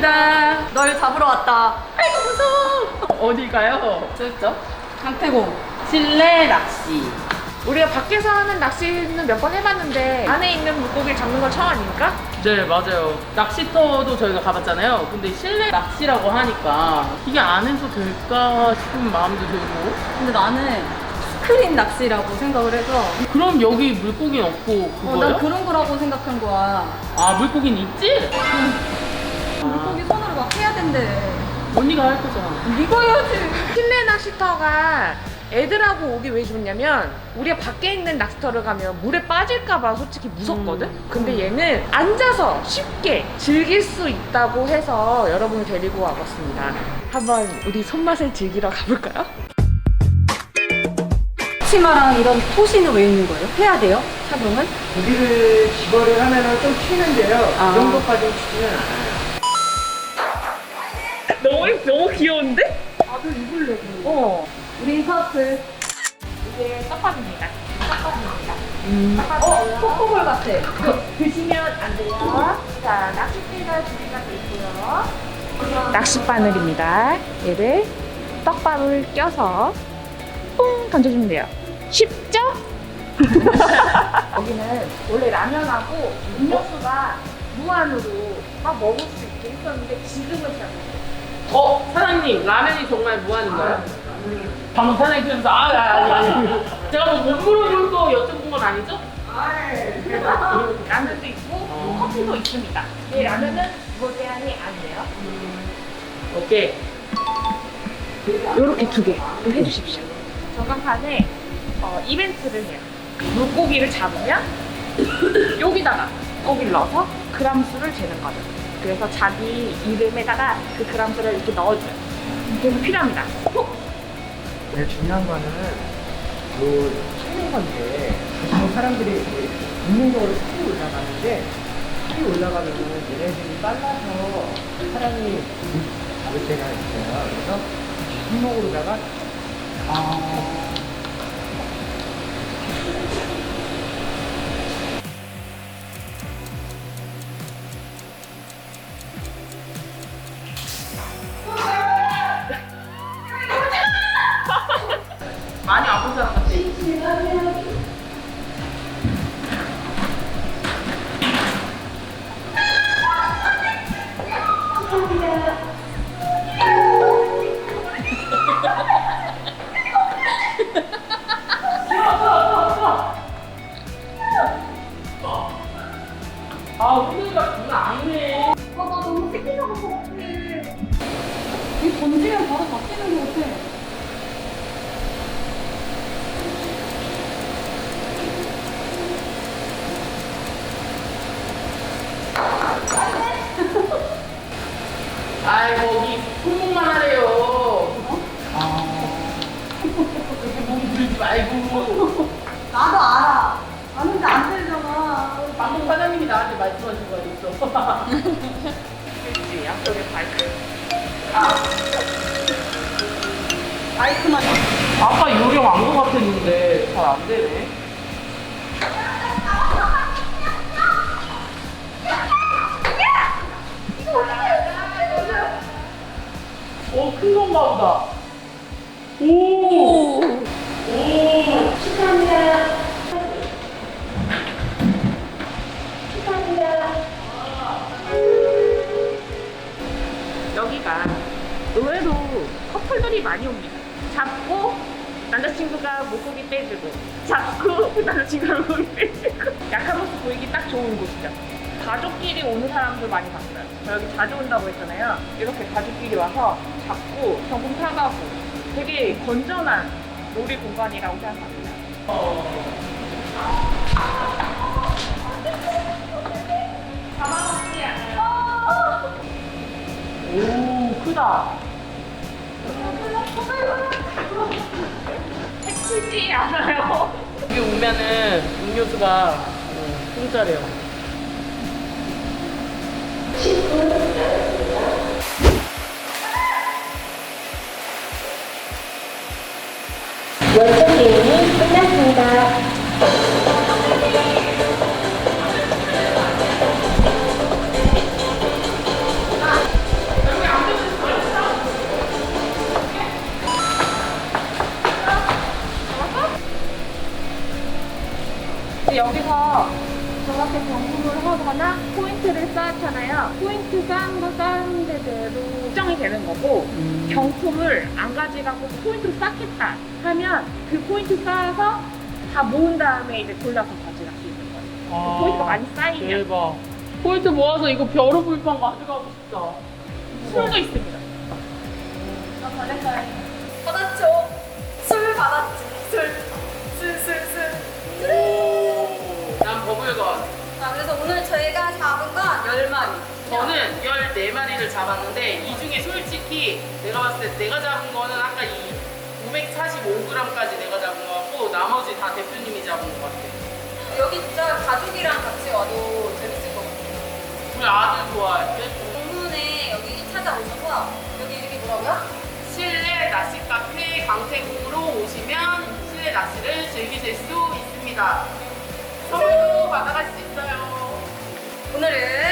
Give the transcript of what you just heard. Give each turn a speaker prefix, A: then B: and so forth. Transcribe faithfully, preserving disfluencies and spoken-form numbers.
A: 왔습니다.
B: 널 잡으러 왔다.
A: 아이고 무서워. 어디 가요? 저죠?
B: 강태공.
A: 실내 낚시. 우리가 밖에서 하는 낚시는 몇 번 해봤는데 안에 있는 물고기를 잡는 건 처음 아닙니까?
C: 네, 맞아요. 낚시터도 저희가 가봤잖아요. 근데 실내 낚시라고 하니까 이게 안에서 될까 싶은 마음도 들고.
B: 근데 나는 스크린 낚시라고 생각을 해서
C: 그럼 여기 물고기는 없고
B: 어,
C: 그거요?
B: 난 그런 거라고 생각한 거야.
C: 아, 물고기는 있지?
B: 물고기 손으로 막 해야 된대.
C: 언니가 할 거잖아.
B: 네가 해야지.
A: 실내 낚시터가 애들하고 오기 왜 좋냐면 우리가 밖에 있는 낚시터를 가면 물에 빠질까봐 솔직히 무섭거든?
C: 음.
A: 근데 얘는 앉아서 쉽게 즐길 수 있다고 해서 여러분을 데리고 와봤습니다. 한번 우리 손맛을 즐기러 가볼까요?
B: 치마랑 이런 토시는 왜 있는 거예요? 해야 돼요? 착용은?
D: 고기를 집어를 하면은 좀 튀는데요.
B: 아.
D: 그 정도까지 튀지는 않아요.
A: 너무, 너무 귀여운데?
B: 나도 입을래.
A: 어.
B: 우리 서트.
A: 이게 떡밥입니다. 떡밥입니다.
B: 음. 어, 코코볼 같아.
A: 드시면 안 돼요. 자, 낚싯대가 준비가 돼 있고요. 낚싯바늘입니다. 얘를 떡밥을 껴서 뿡 던져주면 돼요. 쉽죠? 여기는 원래 라면하고 음료수가 무한으로 막 먹을 수 있게 했었는데 지금은 잘 못해요.
C: 어, 사장님, 라면이 정말 무한인가요? 방금 사장님 그래서 아, 아니, 아니. 제가 뭐 못 물어볼 거 여쭤본 건 아니죠?
A: 라면도 있고 커피도 있습니다. 이 라면은 뭐 제한이 안 돼요.
C: 오케이.
A: 요렇게 두 개 해주십시오. 전광판에 어, 이벤트를 해요. 물고기를 잡으면 여기다가 고기를 넣어서 그람수를 재는 거죠. 그래서 자기 이름에다가 그 그람수를 이렇게 넣어줘요. 그래서 필요합니다.
D: 제일 중요한 거는 요 찍는 건데 보통 사람들이 이렇게 본능적으로 살이 올라가는데 살이 올라가면은 얘네들이 빨라서 사람이 잡을 때가 있어요. 그래서 손목으로다가 아...
C: 많이 아픈 사람 같아. 아, 오늘가 장난 아니네.
B: 아, 나 너무 새끼나가 것 같아. 이 던지면 바로 바뀌는 것 같아.
C: 아이, 거기 손목만 하래요. 그렇게 몸 들지 말고.
B: 나도 알아. 아는데 안 되잖아.
C: 방금 사장님이 나한테 말씀하신 거 있어.
A: 그렇지, 양쪽에 발끝.
B: 마이크만.
C: 아까 요령 안 것 같았는데 잘 안 되네. 오, 큰 건가 보다. 오! 오!
A: 축하합니다. 축하합니다. 여기가 의외로 커플들이 많이 옵니다. 잡고 남자친구가 물고기 빼주고 잡고 남자친구가 물고기 빼주고 약한 모습 보이기 딱 좋은 곳이죠. 가족끼리 오는 사람들 많이 봤어요. 저 여기 자주 온다고 했잖아요. 이렇게 가족끼리 와서 잡고 경품 사가고 되게 건전한 놀이 공간이라고 생각합니다. 잡아먹지 않아요.
C: 오, 크다.
A: 해치지 않아요.
C: 여기 오면은 음료수가 어, 공짜래요.
E: 원초 게임이 끝났습니다.
A: 포인트를 쌓잖아요. 포인트 쌓은 거 쌓은 데대로 측정이 되는 거고
C: 음.
A: 경품을 안 가져가고 포인트를 쌓겠다 하면 그 포인트 쌓아서 다 모은 다음에 이제 골라서 가져갈 수 있는 거예요.
C: 아,
A: 포인트가 많이 쌓이면
C: 대박. 포인트 모아서 이거 벼루 불판 가져가고 싶다.
A: 술도 있습니다.
B: 받았죠. 술 받았지. 술. 술, 술, 술.
C: 오, 난 버블건.
B: 자, 그래서 오늘 저희가 잡은 건 열 마리.
C: 저는 열네 마리를 잡았는데 이 중에 솔직히 내가 봤을 때 내가 잡은 거는 아까 이 오백사십오 그램까지 내가 잡은 거 같고 나머지 다 대표님이 잡은 거 같아.
B: 여기 진짜 가족이랑 같이 와도 재밌을 것 같아요.
C: 우리 아들 좋아할 때
B: 공문에 여기 찾아오셔서 여기 이름이 뭐라고요?
C: 실내 낚시 카페 강태궁으로 오시면 실내 낚시를 즐기실 수 있습니다. 선물도 받아갈 수 있어요.
B: 오늘은